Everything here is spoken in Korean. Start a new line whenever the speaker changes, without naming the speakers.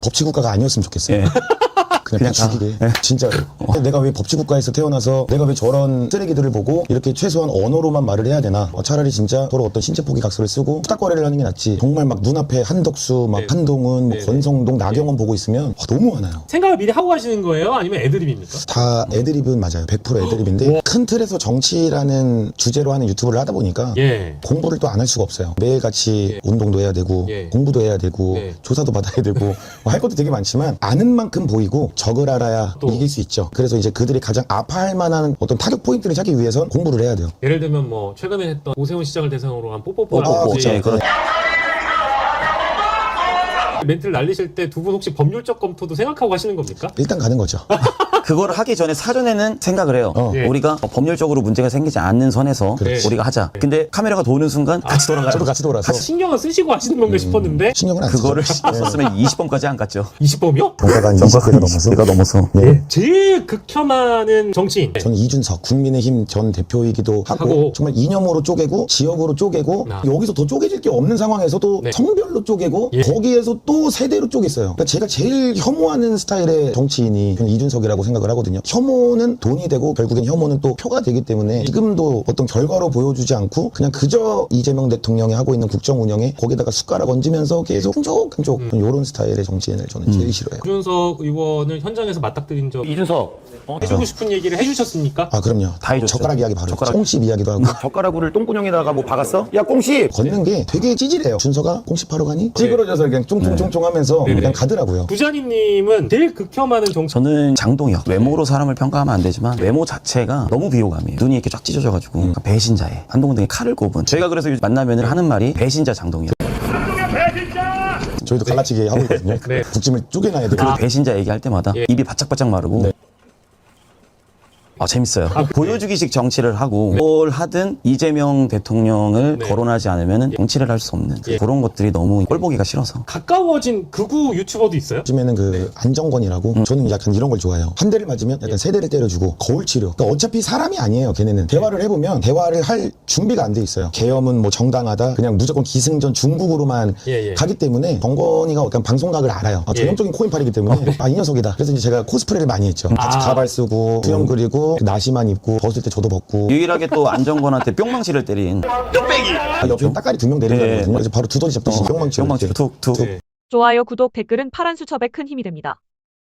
법치국가가 아니었으면 좋겠어요.
예.
그냥 죽이게.
예.
진짜로. 내가 왜 법치국가에서 태어나서 내가 왜 저런 쓰레기들을 보고 이렇게 최소한 언어로만 말을 해야 되나. 차라리 진짜 서로 어떤 신체 포기 각서를 쓰고 수다거래를 하는 게 낫지. 정말 막 눈앞에 한덕수, 막 한동훈, 뭐 권성동, 나경원 보고 있으면 너무 화나요.
생각을 미리 하고 가시는 거예요? 아니면 애드립입니까?
다 애드립은 맞아요. 100% 애드립인데 큰 틀에서 정치라는 주제로 하는 유튜브를 하다 보니까
예.
공부를 또 안 할 수가 없어요. 매일같이 운동도 해야 되고
예.
공부도 해야 되고
예.
조사도 받아야 되고 뭐 할 것도 되게 많지만 아는 만큼 보이고 적을 알아야
또.
이길 수 있죠. 그래서 이제 그들이 가장 아파할 만한 어떤 타격 포인트를 찾기 위해선 공부를 해야 돼요.
예를 들면 뭐 최근에 했던 오세훈 시장을 대상으로 한 뽀뽀뽀
네, 그렇죠.
멘트를 날리실 때 두 분 혹시 법률적 검토도 생각하고 하시는 겁니까?
일단 가는 거죠.
그거를 하기 전에 사전에는 생각을 해요.
예.
우리가 법률적으로 문제가 생기지 않는 선에서
그렇지.
우리가 하자. 근데 카메라가 도는 순간 같이 돌아가요.
저도 같이 돌아서
신경을 쓰시고 하시는 건가 싶었는데
신경을 안 쓰죠.
그거를 썼으면 20번까지 안 갔죠.
20범이요?
정가가 한 20대가 넘어서
내가 넘어서.
네.
제일 극혐하는 정치인.
저는 이준석 국민의힘 전 대표이기도 하고,
하고.
정말 이념으로 쪼개고 지역으로 쪼개고
아.
여기서 더 쪼개질 게 없는 상황에서도
네.
성별로 쪼개고
예.
거기에서 또 세대로 쪼갰어요. 그러니까 제가 제일 혐오하는 스타일의 정치인이 저는 이준석이라고 생각을 하거든요. 혐오는 돈이 되고 결국엔 혐오는 또 표가 되기 때문에 지금도 어떤 결과로 보여주지 않고 그냥 그저 이재명 대통령이 하고 있는 국정 운영에 거기다가 숟가락 얹으면서 계속 끈적끈적 이런 스타일의 정치인을 저는 제일 싫어해요.
이준석 의원을 현장에서 맞닥뜨린 적
이준석.
해주고 싶은 얘기를 해주셨습니까?
아 그럼요.
다 해줬죠.
젓가락 이야기 바로
젓가락.
꽁씹 이야기도 하고
젓가락을 똥구녕에다가 뭐 박았어? 야 꽁씨.
걷는 게 되게 찌질해요. 준서가 꽁씹하러 가니? 찌그러져서 그냥 쫑쫑쫑쫑 하면서
네네.
그냥 가더라고요.
부자니님은 제일 극혐하는 정치.
저는 장동혁. 외모로 사람을 평가하면 안 되지만 외모 자체가 너무 비호감이에요. 눈이 이렇게 쫙 찢어져가지고 그러니까 배신자에 한동훈 등에 칼을 꼽은. 저희가 그래서 만나면 하는 말이 배신자 장동혁.
저희도 갈라치기 하고 있거든요.
네.
북짐을 쪼개놔야 돼요.
그 배신자 얘기할 때마다
예.
입이 바짝바짝 마르고
네.
재밌어요. 보여주기식 정치를 하고 뭘 하든 이재명 대통령을
네.
거론하지 않으면 정치를 할 수 없는
예.
그런 것들이 너무 꼴보기가 싫어서.
가까워진 극우 유튜버도 있어요?
요즘에는 그 안정권이라고 저는 약간 이런 걸 좋아해요. 한 대를 맞으면 약간 세 대를 때려주고 거울 치료. 그러니까 어차피 사람이 아니에요. 걔네는 대화를 해보면 대화를 할 준비가 안 돼 있어요. 계엄은 뭐 정당하다. 그냥 무조건 기승전 중국으로만
예.
가기 때문에 정권이가 약간 방송각을 알아요.
예.
전형적인 코인팔이기 때문에 이 녀석이다. 그래서 이제 제가 코스프레를 많이 했죠. 같이 가발 쓰고 수염 그리고 나시만 입고 벗을 때 저도 벗고
유일하게 또 안정권한테 뿅망치를 때린
옆에 따까리 두 명 내린
예.
거거든요. 그래서 바로 두더지 잡듯이 뿅망치로
뿅망치로
이렇게
툭툭.
네.
좋아요, 구독, 댓글은 파란 수첩에 큰 힘이 됩니다.